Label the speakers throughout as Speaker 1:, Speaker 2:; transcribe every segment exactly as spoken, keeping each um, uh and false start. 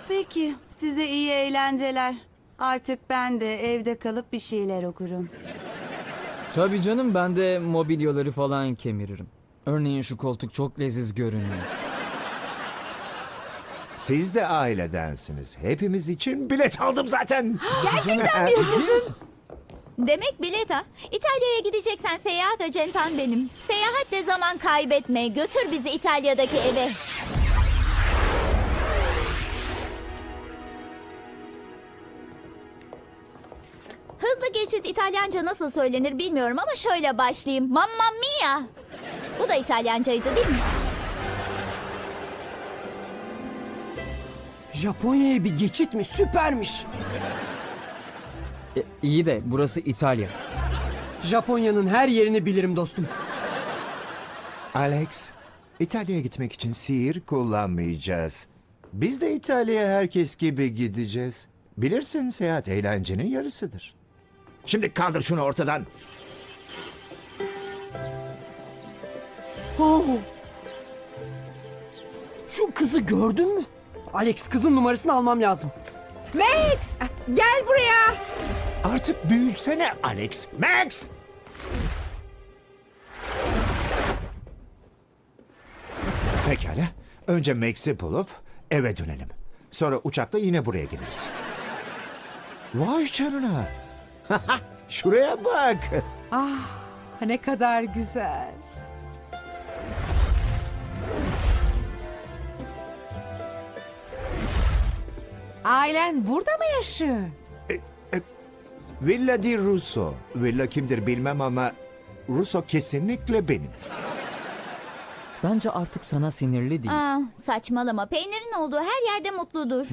Speaker 1: Peki, size iyi eğlenceler. Artık ben de evde kalıp bir şeyler okurum.
Speaker 2: Tabii canım, ben de mobilyaları falan kemiririm. Örneğin şu koltuk çok leziz görünüyor.
Speaker 3: Siz de ailedensiniz. Hepimiz için bilet aldım zaten.
Speaker 1: Gerçekten mi yaşasın?
Speaker 4: Demek bilet ha. İtalya'ya gideceksen seyahat acentan benim. Seyahatle zaman kaybetme. Götür bizi İtalya'daki eve. Hızlı geçit İtalyanca nasıl söylenir bilmiyorum ama şöyle başlayayım. Mamma mia. Bu da İtalyancaydı değil mi?
Speaker 5: Japonya'ya bir geçit mi? Süpermiş.
Speaker 2: E, iyi de burası İtalya.
Speaker 5: Japonya'nın her yerini bilirim dostum.
Speaker 3: Alex, İtalya'ya gitmek için sihir kullanmayacağız. Biz de İtalya'ya herkes gibi gideceğiz. Bilirsin, seyahat eğlencenin yarısıdır. Şimdi kaldır şunu ortadan.
Speaker 5: Oh. Şu kızı gördün mü? Alex, kızın numarasını almam lazım.
Speaker 6: Max, gel buraya.
Speaker 3: Artık büyüsene Alex. Max! Pekala. Önce Max'i bulup eve dönelim. Sonra uçakla yine buraya geliriz. Vay canına. Şuraya bak.
Speaker 6: Ah, ne kadar güzel. Ailen burada mı yaşıyor?
Speaker 3: Villa di Russo. Villa kimdir bilmem ama Russo kesinlikle benim.
Speaker 2: Bence artık sana sinirli değil.
Speaker 4: Aa, saçmalama. Peynirin olduğu her yerde mutludur.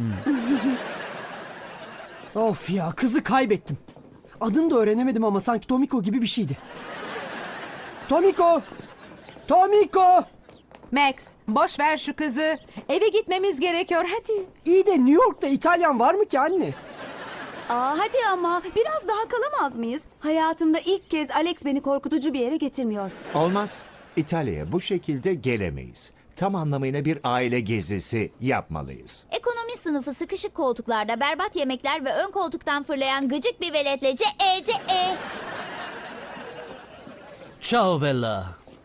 Speaker 5: Of ya, kızı kaybettim. Adını da öğrenemedim ama sanki Tomiko gibi bir şeydi. Tomiko! Tomiko!
Speaker 6: Max, boş ver şu kızı. Eve gitmemiz gerekiyor, hadi.
Speaker 5: İyi de New York'ta İtalyan var mı ki anne?
Speaker 1: Aa, hadi ama biraz daha kalamaz mıyız? Hayatımda ilk kez Alex beni korkutucu bir yere getirmiyor.
Speaker 3: Olmaz. İtalya'ya bu şekilde gelemeyiz. Tam anlamıyla bir aile gezisi yapmalıyız.
Speaker 4: Ekonomi sınıfı sıkışık koltuklarda berbat yemekler ve ön koltuktan fırlayan gıcık bir veletle ce e ce e.
Speaker 7: Ciao Bella.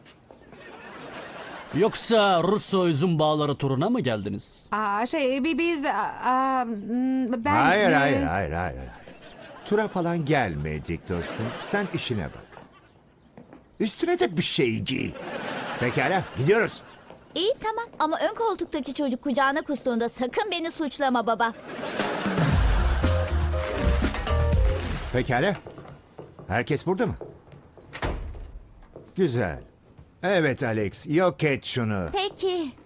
Speaker 7: Yoksa Russo üzüm bağları turuna mı geldiniz?
Speaker 6: Aa, şey, bi- biz... aa, mm, ben...
Speaker 3: Hayır,
Speaker 6: e,
Speaker 3: hayır, hayır, hayır. Tura falan gelmedik dostum. Sen işine bak. Üstüne de bir şey giy. Pekala, gidiyoruz.
Speaker 4: İyi tamam ama ön koltuktaki çocuk kucağına kustuğunda sakın beni suçlama baba.
Speaker 3: Pekala. Herkes burada mı? Güzel. Evet Alex, yok et şunu.
Speaker 4: Peki.